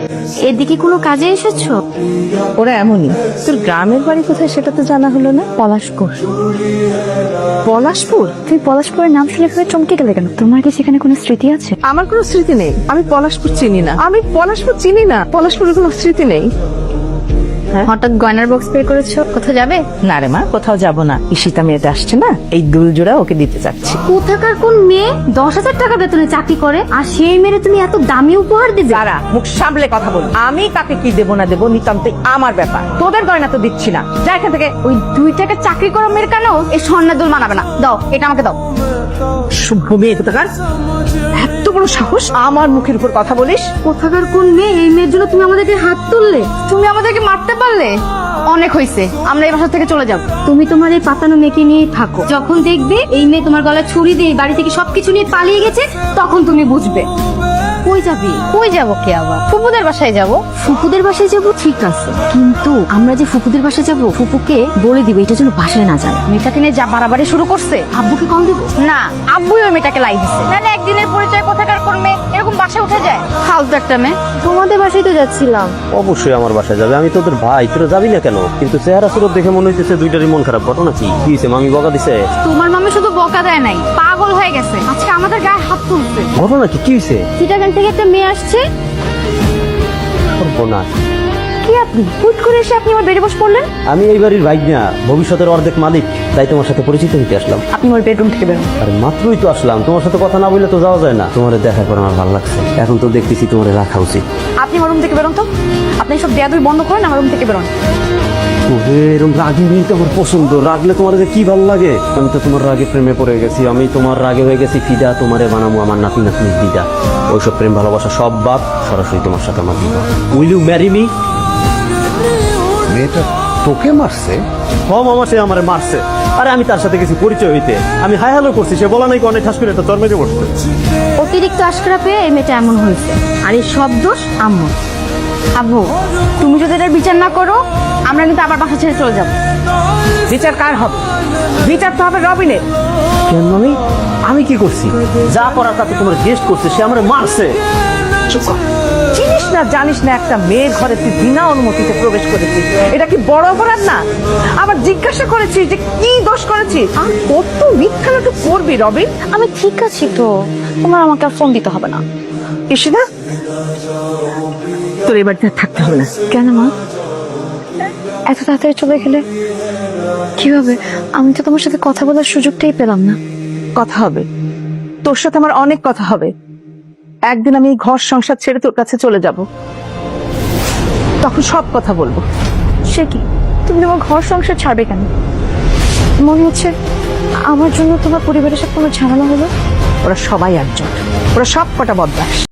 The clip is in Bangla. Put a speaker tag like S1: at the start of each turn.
S1: এদিকে কোনো কাজে এসেছো?
S2: ওরা এমনই। তোর গ্রামের বাড়ি কোথায় সেটা তো জানা হলো না।
S1: পলাশপুর।
S2: পলাশপুর?
S1: তুমি পলাশপুরের নাম শুনে ফেলে চমকে গেলে কেন? তোমার কি সেখানে কোনো স্মৃতি আছে?
S2: আমার কোনো স্মৃতি নেই। আমি পলাশপুর চিনি না। পলাশপুরের কোনো স্মৃতি নেই।
S1: হঠাৎ গয়নার বক্স বের করেছো, কোথাও যাবে?
S2: না রে মা, কোথাও যাব না। ঈশিতা মেয়েটা আসছে না, এই দুল জোড়া ওকে দিতে চাচ্ছি।
S1: কোথাকার কোন মেয়ে 10,000 টাকা বেতনে চাকরি করে আর সেই মেয়ে তুমি এত দামি উপহার দিবে?
S2: যারা মুখ সামলে কথা বল। আমি কাকে কি দেবো না দেবো নিতান্তই আমার ব্যাপার। তোদের গয়না তো দিচ্ছি না, যা এখান থেকে।
S1: ওই 2 টাকা চাকরি করা মেয়ের কেন এই স্বর্ণের দুল মানাবে না? দাও, এটা আমাকে দাও।
S2: শুভ মেয়ে কোথাকার, এত বড় সাহস আমার মুখের উপর কথা বলিস?
S1: কোথাকার কোন মেয়ে এই মেয়ের জন্য তুমি আমাদেরকে হাত তুললে? তুমি আমাদেরকে মারতে পারলে? অনেক হয়েছে, আমরা এই বাসা থেকে চলে যাব। তুমি তোমার এই পাতানো মেয়েকে নিয়েই থাকো। যখন দেখবে এই মেয়ে তোমার গলায় ছুরি দিয়ে বাড়ি থেকে সবকিছু নিয়ে পালিয়ে গেছে, তখন তুমি বুঝবে। কই যাবি? কই যাব কে আবার? ফুপুদের বাসায় যাব। ফুপুদের বাসায় যাব ঠিক আছে, কিন্তু আমরা যে ফুপুদের বাসায় যাব, ফুপুকে বলে দিবে এটা যেন বাসায় না যায়। মেয়েটাকে নিয়ে যা বাড়াবাড়ি শুরু করছে, আব্বুকে কল দেবো? না, আব্বুই ওই মেয়েটাকে লাই দিছে। নাহলে একদিনের পরিচয় কোথাকার কোন মেয়ে এরকম বাসায় উঠে যায়? ফালতু একটা মেয়ে। তোমাদের বাসায় তো যাচ্ছিলাম।
S3: অবশ্যই আমার বাসায় যাবে, আমি তোদের ভাই, তোরা যাবি না কেন? কিন্তু চেহারা সুরত দেখে মনে হইতেছে দুইটারই মন খারাপ। ঘটনা কি হয়েছে? মামি বকা দিছে?
S1: তোমার মামি শুধু বকা দেয় নাই, পাগল হয়ে গেছে। আজকে আমাদের গায়ে হাত তুলছে।
S3: ঘটনা কি হয়েছে?
S1: চিটাগাং থেকে একটা মেয়ে আসছে।
S3: না,
S1: কি আপনি হুট করে এসে আপনি আমার বেডে বসে পড়লেন?
S3: আমি এই বাড়ির ভাই না, ভবিষ্যতের অর্ধেক মালিক, তাই তোমার সাথে পরিচিত হইতে আসলাম।
S1: আপনি আমার বেডরুম থেকে বেরোন।
S3: আর মাত্রই তো আসলাম, তোমার সাথে কথা না বললে তো যাওয়া যায় না। তোমার দেখা করে আমার ভালো লাগছে, এখন তো দেখতেছি তোমার রাখা উচিত।
S1: আপনি আমার রুম থেকে বেরোন তো। আপনি সব বেয়াদবি বন্ধ করেন, আমার রুম থেকে বেরোন।
S3: এরকম রাগি মেয়ে তো আমার পছন্দ। রাগলে তোমার যে কি ভালো লাগে। আমি তো তোমার রাগে প্রেমে পড়ে গেছি, আমি তোমার রাগে হয়ে গেছি ফিদা। তোমারে বানাবো আমার নাতি নাতনির দিদা। ওইসব প্রেম ভালোবাসা সব বাদ, সরাসরি তোমার সাথে আমার বিবাহ। Will you marry me?
S4: মেয়েটা তোকে মারছে?
S3: মামা সে আমারে মারছে। আরে আমি তার সাথে কিছু পরিচয় হইতে আমি হাই হ্যালো করছি, সে বলা নাই অনেক ঠাস করে একটা চর মেরে পড়ছে।
S1: অতিরিক্ত আশকারা পেয়ে এই মেয়েটা এমন হয়েছে, আর এই সব দোষ আম্মু। আব্বু, তুমি যদি এটার বিচার না করো, আমরা কিন্তু আবার বাসা ছেড়ে চলে যাব।
S2: বিচার কার হবে? বিচার তো হবে রবিনের।
S3: কেন মামি? আমি কি করছি? যা করার তা তো তোমার গেস্ট করছে, সে আমারে মারছে।
S2: চুপ কর। চিনিস না জানিস না একটা মেয়ের ঘরে তুই বিনা অনুমতিতে প্রবেশ করেছিস, এটা কি বড় অপরাধ না? আবার জিজ্ঞাসা করেছিস যে কি দোষ করেছিস? আর কত মিথ্যা নাটক করবি রবিন?
S1: আমি ঠিক আছি তো, তোমার আমাকে আর ফোন দিতে হবে না।
S2: ঈশিতা, তোর এবার থাকতে হবে না।
S1: কেন মা, এত তাড়াতাড়ি চলে গেলে? কিভাবে? আমি তো তোমার সাথে কথা বলার সুযোগটাই পেলাম না।
S2: কথা হবে, তোর সাথে আমার অনেক কথা হবে। একদিন আমি এই ঘর সংসার ছেড়ে তোর কাছে চলে যাব, তখন সব কথা বলবো।
S1: সে কি, তুমি তোমার ঘর সংসার ছাড়বে কেন? মনে হচ্ছে আমার জন্য তোমার পরিবারের সাথে কোনো ঝামেলা হলো।
S2: ওরা সবাই একজন, ওরা সব কটা বদমাশ।